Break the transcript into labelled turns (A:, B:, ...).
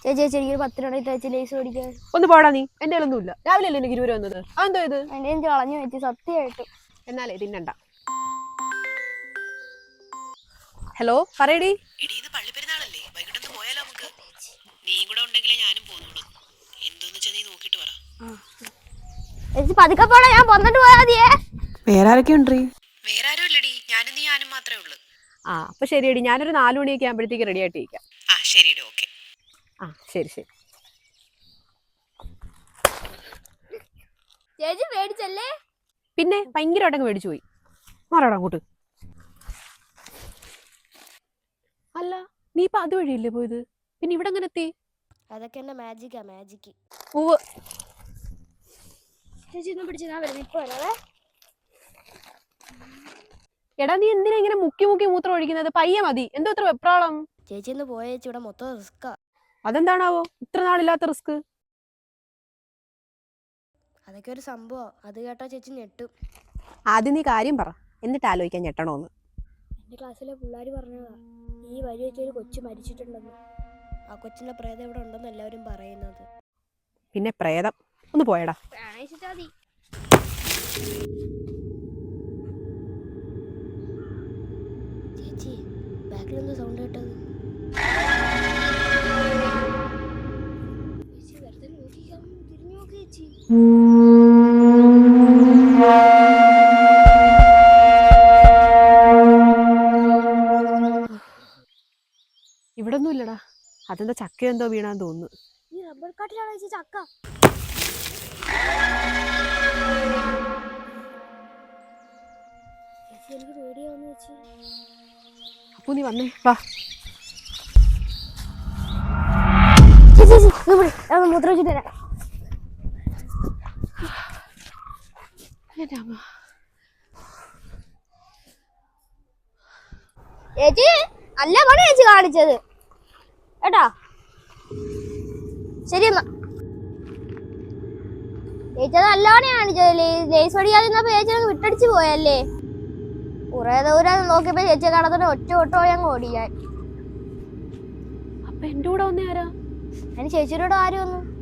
A: ചേച്ചി ചേച്ചി എനിക്ക് 10 രൂപ ചേച്ചി ലേസ് മേടിക്കാൻ.
B: ഒന്ന് പോടാ നീ. എന്റെ ഒന്നുമില്ല. രാവിലെ അല്ലേ എനിക്ക് 20 രൂപ വന്നത്. അതെന്തോ ഇത്?
A: എന്റെ എനിക്ക് കളഞ്ഞു വെച്ച് സത്യമായിട്ടും.
B: എന്നാലേ തിന്നണ്ട. ഹലോ പറയടി.
C: ഇത് പള്ളിപ്പെരുന്നാളല്ലേ, വൈകിട്ടൊന്ന് പോയാലോ നമുക്ക്? നീ കൂടെ ഉണ്ടെങ്കിലേ ഞാനും പോകുന്നുള്ളൂ. എന്തോന്ന് വെച്ചാ നീ നോക്കിട്ട് പറ.
A: ചേച്ചി പതുക്കെ പോടാ, ഞാൻ വന്നിട്ട് പോയാ മതിയേ.
B: വേറെ ആരൊക്കെ ഉണ്ട്?
C: വേറെ ആരും ഇല്ലടി, ഞാനും മാത്രമേ ഉള്ളൂ.
B: അപ്പൊ ശരിയടി, ഞാനൊരു 4 മണിയൊക്കെ ആകുമ്പോഴത്തേക്ക് റെഡി ആയിട്ട് ഇരിക്കാം.
C: ശരിയടി, ഓക്കെ.
B: ശരി ശരി.
A: ചേച്ചി മേടിച്ചല്ലേ?
B: പിന്നെ ഭയങ്കരമായിട്ടങ്ങ് മേടിച്ചു പോയി. മാറാടാ അങ്ങോട്ട്. അല്ല നീ ഇപ്പൊ അതുവഴിയല്ലേ പോയത്, പിന്നെ ഇവിടെ എങ്ങനെ എത്തി?
A: അതൊക്കെ എന്റെ മാജിക്കാ, മാജിക്ക്. ചേച്ചി ഒന്നും പിടിച്ച് ഞാൻ വരുന്നത് ഇപ്പൊ വരാവേ.
B: എടാ നീ എന്തിനാ ഇങ്ങനെ മുക്കി മുക്കി മൂത്രം ഒഴിക്കുന്നത്? പയ്യെ മതി. എന്തോ ഇത്ര വെപ്രാളം?
A: ചേച്ചി ഒന്ന് പോയ ചേച്ചി, ഇവിടെ മൊത്തം റിസ്കാ.
B: അതെന്താണാവോ ഇത്ര നാളില്ലാത്ത റിസ്ക്?
A: അതൊക്കെ ഒരു സംഭവം, അത് കേട്ടാ ചേച്ചി ഞെട്ടും.
B: ആദ്യം നീ കാര്യം പറ, എന്നിട്ട് ആലോചിക്കാൻ ഞെട്ടണോന്ന്.
A: എന്റെ ക്ലാസ്സിലെ പിള്ളേർ പറഞ്ഞതാ, ഈ വഴി വെച്ചൊരു കൊച്ചു മരിച്ചിട്ടുണ്ടെന്ന്. ആ കൊച്ചിന്റെ പ്രേതം ഇവിടെ ഉണ്ടെന്ന് എല്ലാവരും പറയുന്നത്.
B: പിന്നെ പ്രേതം? ഒന്ന് പോയടാ.
A: ചേച്ചി ബാക്കിൽ എന്തോ സൗണ്ട് കേട്ടത്. ചേച്ചി വെറുതെ നോക്കിക്കാൻ തിരിഞ്ഞു നോക്കി ചേച്ചി.
B: ഇവിടെ ഒന്നും ഇല്ലടാ. അതെന്താ ചക്ക എന്തോ വീണാന്ന് തോന്നുന്നു.
A: ഈ റബ്ബർ കാട്ടിലാണ് ചേച്ചി ചക്ക. ചേച്ചി എനിക്ക് പേടിയാവുന്നു ചേച്ചി.
B: അപ്പൊ നീ വന്നേ വാ.
A: മൂത്രം വെച്ചിട്ട് തരാം. ചേച്ചി നല്ല പണി ചേച്ചി കാണിച്ചത് കേട്ടാ. ശരി എന്നാ ചേച്ചി നല്ല പണി കാണിച്ചത്. ലേസ് പഠിക്കാതിരുന്നപ്പോ ചേച്ചി അങ്ങ് വിട്ടടിച്ച് പോയല്ലേ. കുറെ ദൂരം നോക്കിയപ്പോ ചേച്ചി കടത്തോടെ ഒറ്റ ഓട്ടോ അങ്ങ് ഓടിയാൻ.
B: അപ്പൊ എന്റെ കൂടെ വന്നേ ആരാ?
A: അതിന് ചേച്ചിയുടെ ആര് വന്നു?